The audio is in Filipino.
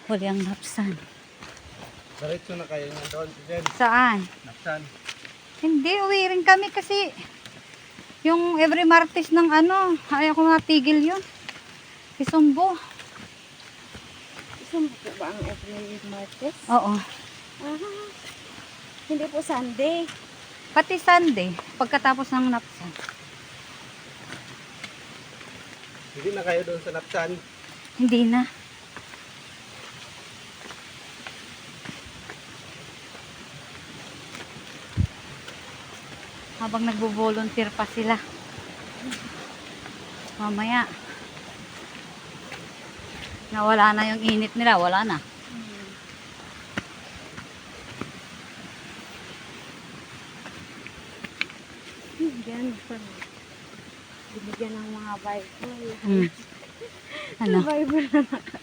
Huli ang napsan. Diretso na kayo nga doon. Jen, Saan? Napsan. Hindi, uwi rin kami kasi yung every Martes ng ano, ayaw ko matigil yun. Isumbo. Isang po ba ang every Martes? Oo. Ah, hindi po Sunday. Pati Sunday, pagkatapos ng napsan. Hindi na kayo doon sa Napsan. Hindi na. Habang nagbo-volunteer pa sila. Mamaya. Nawala na yung init nila, wala na. Yan. Binigyan ng mga Bible. Hmm. Ano? Bible na